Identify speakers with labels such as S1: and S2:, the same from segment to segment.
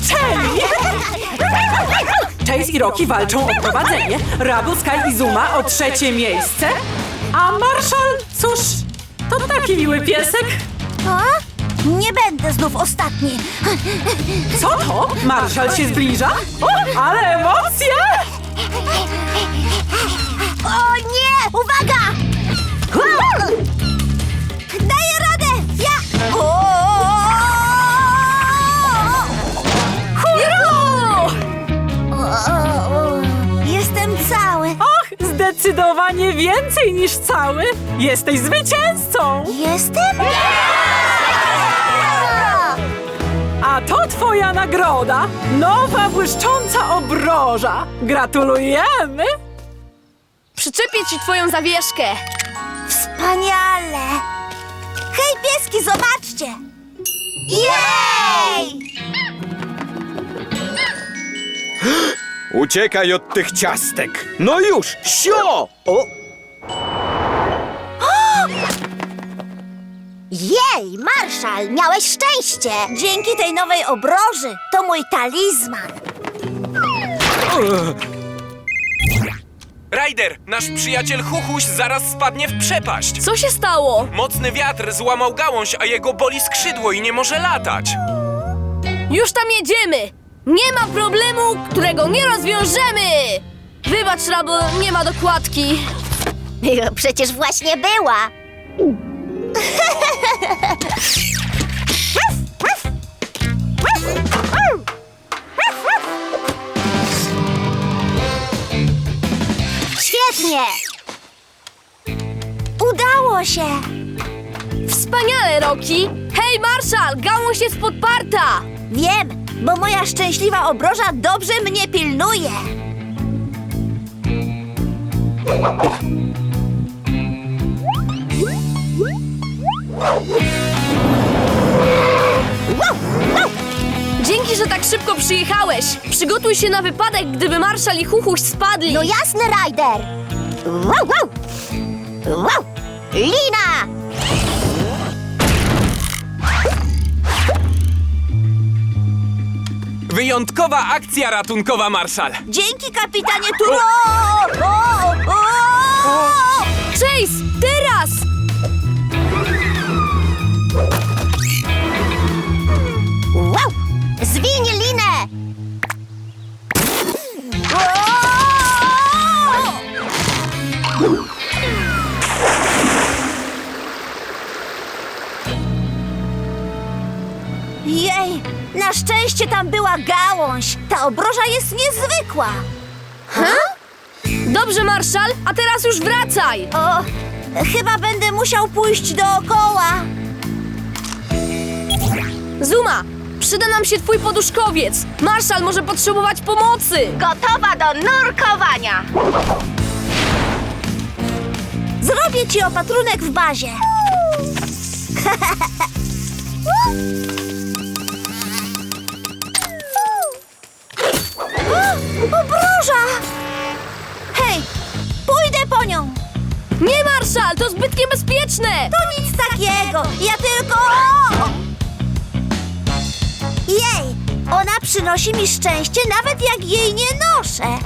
S1: zaczęli! Chase i Rocky walczą o prowadzenie, Rubble, Sky i Zuma o 3. miejsce, a Marshall, cóż, to taki miły piesek.
S2: A? Nie będę znów ostatni.
S1: Co to? Marshall się zbliża? O, ale emocje!
S2: O nie! Uwaga! Daję radę! Ja...
S1: Juhu!
S2: Jestem cały.
S1: Och, zdecydowanie więcej niż cały. Jesteś zwycięzcą!
S2: Jestem?
S1: A to twoja nagroda! Nowa błyszcząca obroża! Gratulujemy!
S3: Przyczepię ci twoją zawieszkę.
S2: Wspaniale! Hej, pieski, zobaczcie! Jej!
S4: Uciekaj od tych ciastek! No już! Sio! O!
S2: Jej, Marszal, miałeś szczęście! Dzięki tej nowej obroży to mój talizman.
S5: Ryder, nasz przyjaciel Huchuś zaraz spadnie w przepaść.
S3: Co się stało?
S5: Mocny wiatr złamał gałąź, a jego boli skrzydło i nie może latać.
S3: Już tam jedziemy! Nie ma problemu, którego nie rozwiążemy! Wybacz, Rubble, nie ma dokładki.
S2: Przecież właśnie była. Świetnie! Udało się!
S3: Wspaniale, Rocky! Hej, Marshall, gałąź jest podparta!
S2: Wiem, bo moja szczęśliwa obroża dobrze mnie pilnuje.
S3: Dzięki, że tak szybko przyjechałeś. Przygotuj się na wypadek, gdyby Marshall i Huchuś spadli.
S2: No jasne, Ryder! Wow, wow! Wow! Lina!
S5: Wyjątkowa akcja ratunkowa, Marszal.
S2: Dzięki, kapitanie Turo!
S3: Chase, teraz!
S2: Wow! Zwiń linę! Jej! Na szczęście tam była gałąź! Ta obroża jest niezwykła!
S3: Dobrze, Marshall, a teraz już wracaj!
S2: O, chyba będę musiał pójść dookoła.
S3: Zuma, przyda nam się twój poduszkowiec. Marshall może potrzebować pomocy.
S2: Gotowa do nurkowania! Zrobię ci opatrunek w bazie. Obroża! Hej, pójdę po nią.
S3: Nie, Marshall, to zbyt niebezpieczne!
S2: To nic takiego, ja tylko... Jej, ona przynosi mi szczęście, nawet jak jej nie noszę.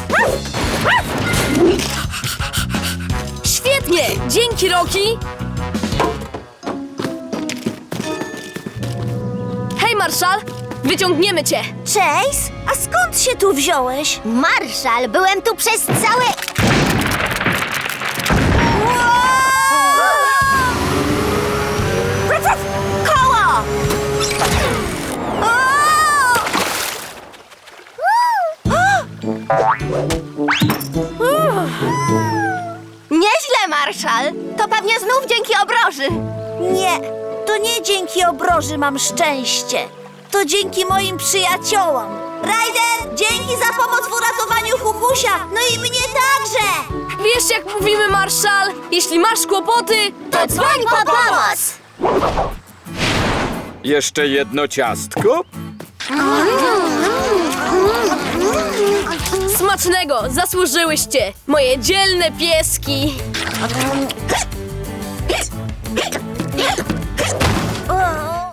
S3: Świetnie! Dzięki, Rocky! Hej, Marshall! Wyciągniemy cię!
S2: Chase, a skąd się tu wziąłeś? Marszal, byłem tu przez całe... Koło!
S6: Nieźle, Marszal. To pewnie znów dzięki obroży.
S2: Nie, to nie dzięki obroży mam szczęście. To dzięki moim przyjaciołom. Ryder, dzięki za pomoc w uratowaniu Huchusia. No i mnie także.
S3: Wiesz, jak mówimy, Marshall? Jeśli masz kłopoty, to dzwoń po pomoc!
S4: Jeszcze jedno ciastko?
S3: Smacznego! Zasłużyłyście! Moje dzielne pieski!